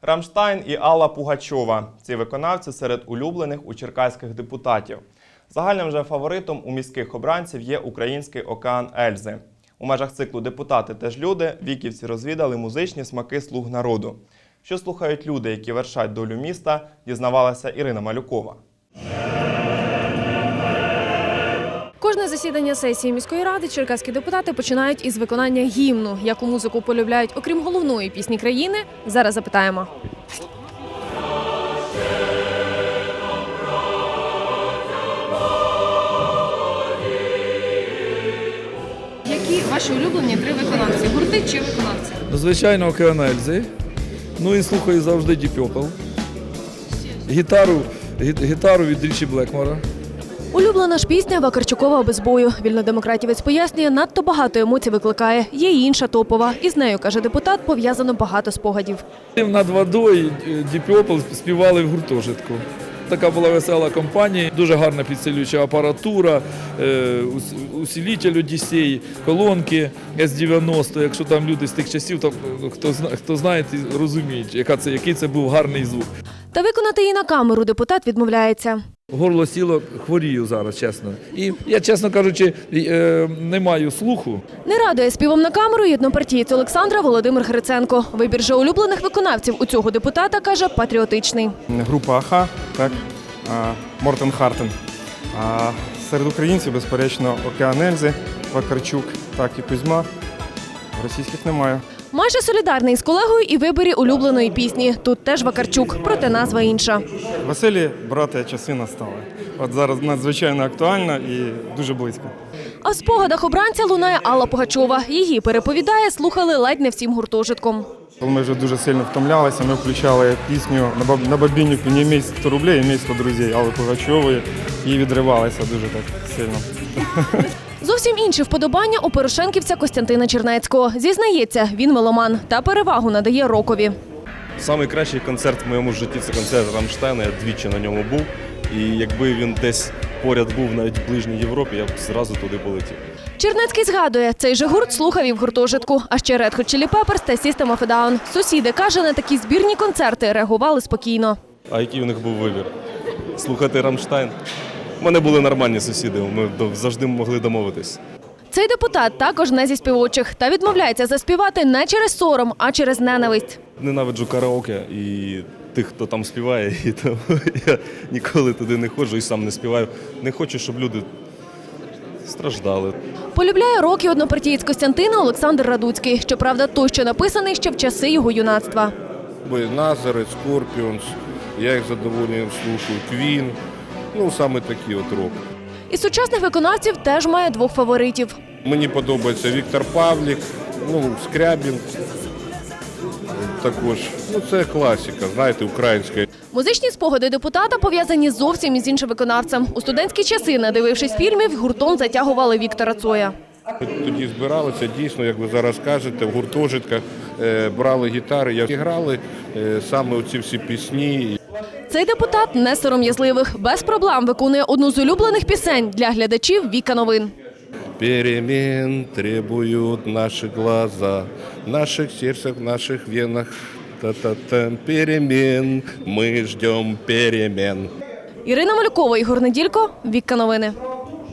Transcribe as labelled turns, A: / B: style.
A: Рамштайн і Алла Пугачова – ці виконавці серед улюблених у черкаських депутатів. Загальним же фаворитом у міських обранців є український «Океан Ельзи». У межах циклу «Депутати теж люди» віківці розвідали музичні смаки «Слуг народу». Що слухають люди, які вершать долю міста, дізнавалася Ірина Малюкова.
B: Кожне засідання сесії міської ради черкаські депутати починають із виконання гімну. Яку музику полюбляють, окрім головної пісні країни, зараз запитаємо. Які ваші улюблені три виконавці? Гурти чи виконавці?
C: Звичайно, «Океан Ельзи». Ну і слухаю завжди Deep Purple. Гітару від Річі Блекмора.
B: Улюблена ж пісня Вакарчукова «Без бою». Вільнодемократівець пояснює, надто багато емоцій викликає. Є й інша топова. Із нею, каже депутат, пов'язано багато спогадів.
C: Над водою Deep Purple співали в гуртожитку. Така була весела компанія, дуже гарна підсилююча апаратура, усилитель Одіссей, колонки С-90. Якщо там люди з тих часів, то хто знає, розуміють, який це був гарний звук.
B: Та виконати її на камеру депутат відмовляється.
C: Горло сіло, хворію зараз, чесно. І я, чесно кажучи, не маю слуху.
B: Не радує співом на камеру й однопартієць Олександра Володимир Гриценко. Вибір же улюблених виконавців у цього депутата, каже, патріотичний.
D: Група «Аха», так, Мортен Хартен. А серед українців, безперечно, «Океан Ельзи», Вакарчук, так і Кузьма. Російських немає.
B: Майже солідарний з колегою і виборі улюбленої пісні. Тут теж Вакарчук, проте назва інша.
D: Веселі, брати, часи настали. От зараз надзвичайно актуально і дуже близько.
B: А в спогадах обранця лунає Алла Пугачова. Її, переповідає, слухали ледь не всім гуртожитком.
D: Коли ми вже дуже сильно втомлялися, ми включали пісню на бабіннику «Не имей 100 рублей, имей 100 друзей» Алли Пугачової і відривалися дуже так сильно.
B: Зовсім інші вподобання у порошенківця Костянтина Чернецького. Зізнається, він меломан та перевагу надає рокові.
E: Найкращий концерт в моєму житті – це концерт Рамштайна. Я двічі на ньому був. І якби він десь поряд був, навіть в ближній Європі, я б зразу туди полетів.
B: Чернецький згадує, цей же гурт слухав і в гуртожитку. А ще Red Hot Chili Peppers та System of a Down. Сусіди, каже, на такі збірні концерти реагували спокійно.
E: А який у них був вибір? Слухати Рамштайн? У мене були нормальні сусіди, ми завжди могли домовитись.
B: Цей депутат також не зі співочих та відмовляється заспівати не через сором, а через ненависть.
E: Ненавиджу караоке і тих, хто там співає, і тому я ніколи туди не ходжу і сам не співаю. Не хочу, щоб люди страждали.
B: Полюбляє рок і однопартієць Костянтина Олександр Радуцький. Щоправда, той, що написаний ще в часи його юнацтва.
F: Назарeth, Scorpions, я їх з задоволенням слухаю, Queen, саме такі от рок.
B: Із сучасних виконавців теж має двох фаворитів.
F: Мені подобається Віктор Павлік, Скрябін також. Це класика, знаєте, українська.
B: Музичні спогади депутата пов'язані зовсім із іншим виконавцем. У студентські часи, надивившись фільмів, гуртом затягували Віктора Цоя.
F: Ми тоді збиралися, дійсно, як ви зараз кажете, в гуртожитках брали гітари, і грали саме оці всі пісні.
B: Цей депутат не сором'язливих. Без проблем виконує одну з улюблених пісень для глядачів «Віка новин».
F: Перемен требуют наши глаза, в наших сердцах, в наших венах. Та-та-та, перемен, ми ждем перемен.
B: Ірина Малюкова, Ігор Неділько, «Віка новини».